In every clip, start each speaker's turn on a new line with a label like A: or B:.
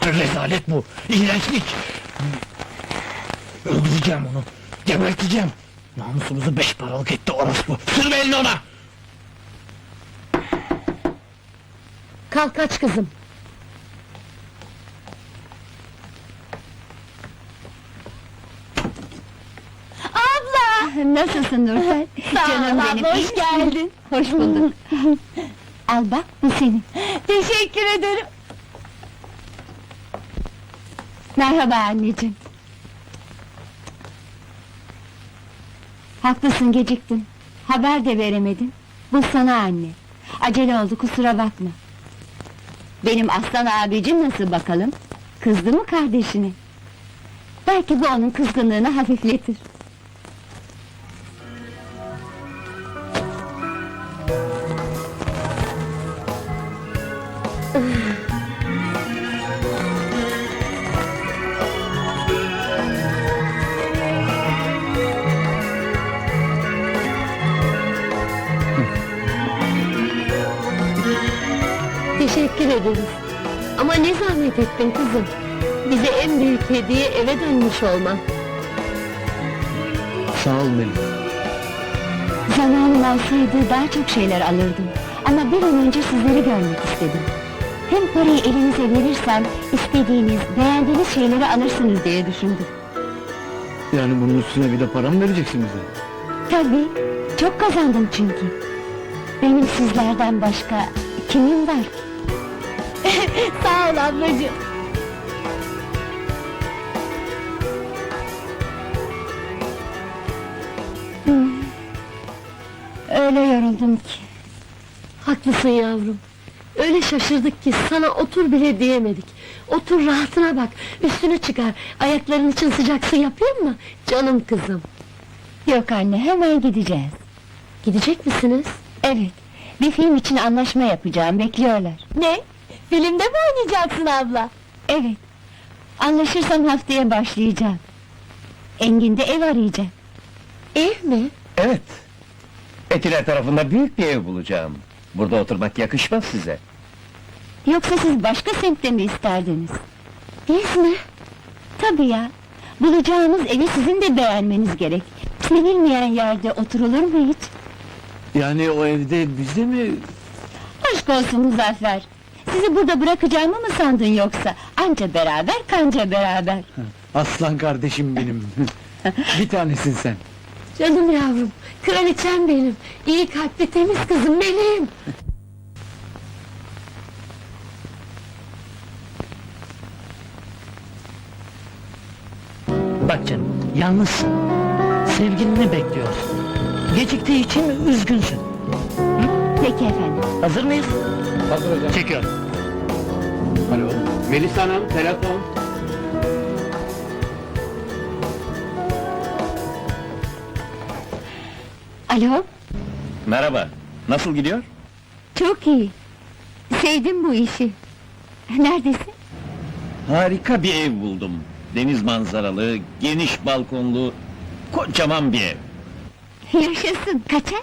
A: Rezalet bu, iğrençlik! Öldüreceğim onu, geberteceğim! Namusumuzu 5 paralık etti orospu! Sürme elini ona!
B: Kalk aç kızım!
C: Abla! Nasılsın Nurten? Canım benim,
B: abla,
C: iyi
B: hoş
C: misin?
B: geldin.
C: Hoş bulduk. Al bak, bu senin.
B: Teşekkür ederim.
C: Merhaba anneciğim. Haklısın, geciktin. Haber de veremedin. Bu sana anne. Acele oldu, kusura bakma. Benim aslan abicim nasıl bakalım? Kızdı mı kardeşine? Belki bu onun kızgınlığını hafifletir.
B: Teşekkür ederiz. Ama ne zahmet ettin kızım. Bize en büyük hediye eve dönmüş olman.
A: Sağ ol Melih.
C: Zamanım olsaydı daha çok şeyler alırdım. Ama bir an önce sizleri görmek istedim. Hem parayı elinize verirsem, istediğiniz, beğendiğiniz şeyleri alırsınız diye düşündüm.
A: Yani bunun üstüne bir de para mı vereceksin bize?
C: Tabii, çok kazandım çünkü. Benim sizlerden başka kimim var ki?
B: Sağ ol ablacığım.
C: Öyle yoruldum ki.
B: Haklısın yavrum. Öyle şaşırdık ki sana otur bile diyemedik. Otur rahatına bak, üstünü çıkar. Ayakların için sıcak su yapayım mı? Canım kızım.
C: Yok anne, hemen gideceğiz.
B: Gidecek misiniz?
C: Evet, bir film için anlaşma yapacağım, bekliyorlar.
B: Ne? Filmde mi oynayacaksın abla?
C: Evet, anlaşırsam haftaya başlayacağım. Engin'de ev arayacağım.
B: Ev mi?
D: Evet. Etiler tarafında büyük bir ev bulacağım. Burada oturmak yakışmaz size.
C: Yoksa siz başka semtte mi isterdiniz?
B: Biz mi?
C: Tabii ya, bulacağınız evi sizin de beğenmeniz gerek. Sevilmeyen yerde oturulur mu hiç?
A: Yani o evde bizde mi?
C: Aşk olsun Muzaffer! Sizi burada bırakacağımı mı sandın yoksa? Anca beraber, kanca beraber!
A: Aslan kardeşim benim! Bir tanesin sen!
B: Canım yavrum, kraliçem benim. İyi kalpli temiz kızım benim.
A: Bak canım, yalnızsın. Sevgilini bekliyorsun. Geciktiği için üzgünsün.
C: Peki efendim.
A: Hazır mıyız?
D: Hazır hocam.
A: Çekiyorum.
D: Alo. Melisa Hanım, telefon.
C: Alo,
D: Merhaba. Nasıl gidiyor?
C: çok iyi. Sevdim bu işi. Neredesin?
D: Harika bir ev buldum. Deniz manzaralı, geniş balkonlu, kocaman bir ev.
C: Yaşasın, kaça?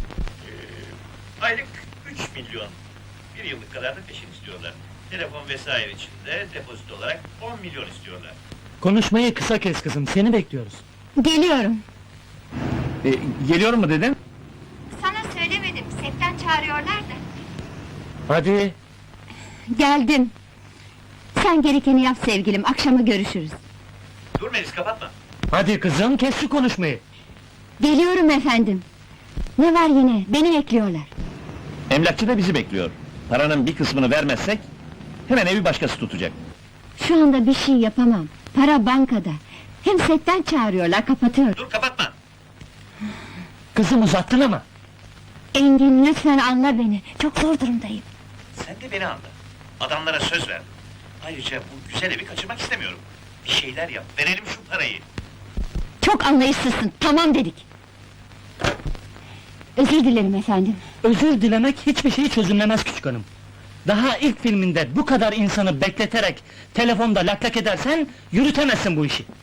E: Aylık 3 milyon. Bir yıllık kadar da peşin istiyorlar. Telefon vesaire için de depozit olarak 10 milyon istiyorlar.
A: Konuşmayı kısa kes kızım, seni bekliyoruz.
C: Geliyorum.
D: Geliyor mu dedin?
C: Sana söylemedim, setten çağırıyorlar da.
A: Hadi!
C: Geldim. Sen gerekeni yap sevgilim, akşama görüşürüz.
E: Dur Melis, kapatma.
A: Hadi kızım, kes şu konuşmayı!
C: Geliyorum efendim. Ne var yine, beni bekliyorlar.
D: Emlakçı da bizi bekliyor. Paranın bir kısmını vermezsek, hemen evi başkası tutacak.
C: Şu anda bir şey yapamam. Para bankada. Hem setten çağırıyorlar, kapatıyorum.
E: Dur, kapatma.
A: Kızım uzattın ama!
C: Engin, lütfen anla beni. Çok zor durumdayım.
E: Sen de beni anla. Adamlara söz ver. Ayrıca bu güzel evi kaçırmak istemiyorum. Bir şeyler yap, verelim şu parayı.
C: Çok anlayışsızsın, tamam dedik. Özür dilerim efendim.
A: Özür dilemek hiçbir şeyi çözümlemez küçük hanım. Daha ilk filminde bu kadar insanı bekleterek telefonda lak lak edersen yürütemezsin bu işi.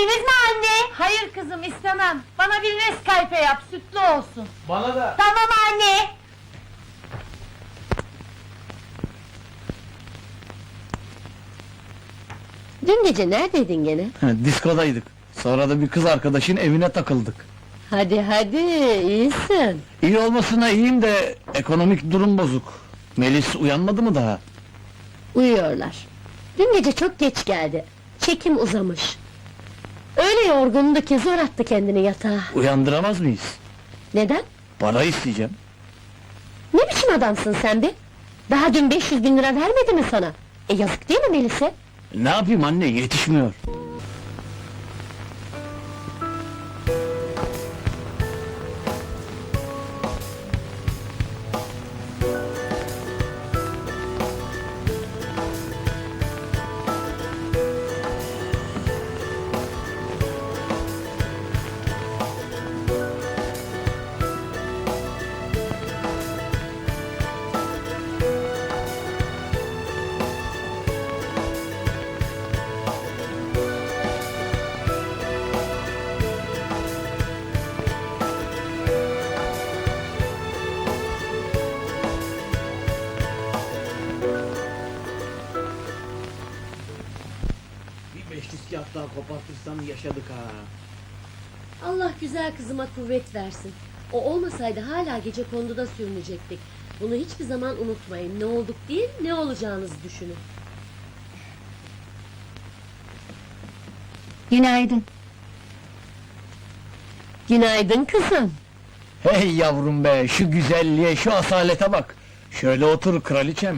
C: İçtiniz mi anne?
B: Hayır kızım istemem. Bana bir Nescafe yap, sütlü olsun.
D: Bana da.
C: Tamam anne.
B: Dün gece neredeydin gene?
D: Diskodaydık. Sonra da bir kız arkadaşın evine takıldık.
B: Hadi hadi, iyisin.
D: İyi olmasına iyiyim de ekonomik durum bozuk. Melis uyanmadı mı daha?
B: Uyuyorlar. Dün gece çok geç geldi. Çekim uzamış. Öyle yorgundu ki zor attı kendini yatağa.
D: Uyandıramaz mıyız?
B: Neden?
D: Para isteyeceğim.
B: Ne biçim adamsın sen be? Daha dün 500.000 lira vermedi mi sana? Yazık değil mi Melis'e?
D: Ne yapayım anne, yetişmiyor. Bir beşlik kağıt daha kopartırsam yaşadık ha.
B: Allah güzel kızıma kuvvet versin. O olmasaydı hala gecekonduda sürünecektik. Bunu hiçbir zaman unutmayın. Ne olduk değil, ne olacağınızı düşünün.
C: Günaydın.
B: Günaydın kızım.
D: Hey yavrum be, şu güzelliğe, şu asalete bak. Şöyle otur kraliçem.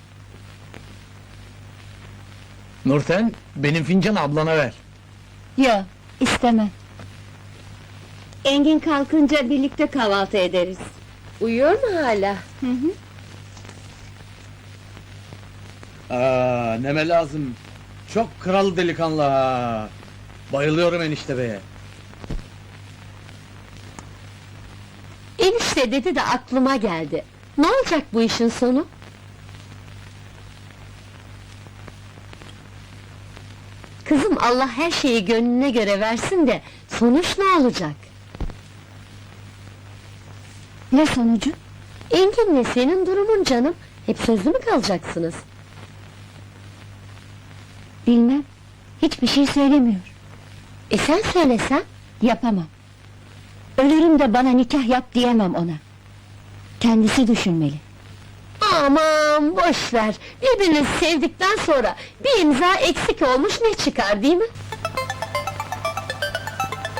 D: Nurten, benim fincanı ablana ver.
C: Yo, istemem. Engin kalkınca birlikte kahvaltı ederiz.
B: Uyuyor mu hala?
C: Hı hı.
D: Neme lazım. Çok kral delikanlı ha. Bayılıyorum enişte beye.
B: Enişte dedi de aklıma geldi. Ne olacak bu işin sonu? Kızım Allah her şeyi gönlüne göre versin de sonuç ne olacak?
C: Ne sonucu?
B: Engin'le senin durumun canım. Hep sözlü mü kalacaksınız?
C: Bilmem. Hiçbir şey söylemiyor.
B: Sen söylesen?
C: Yapamam. Ölürüm de bana nikah yap diyemem ona. Kendisi düşünmeli.
B: Aman boş ver. Birbirinizi sevdikten sonra bir imza eksik olmuş ne çıkar değil mi?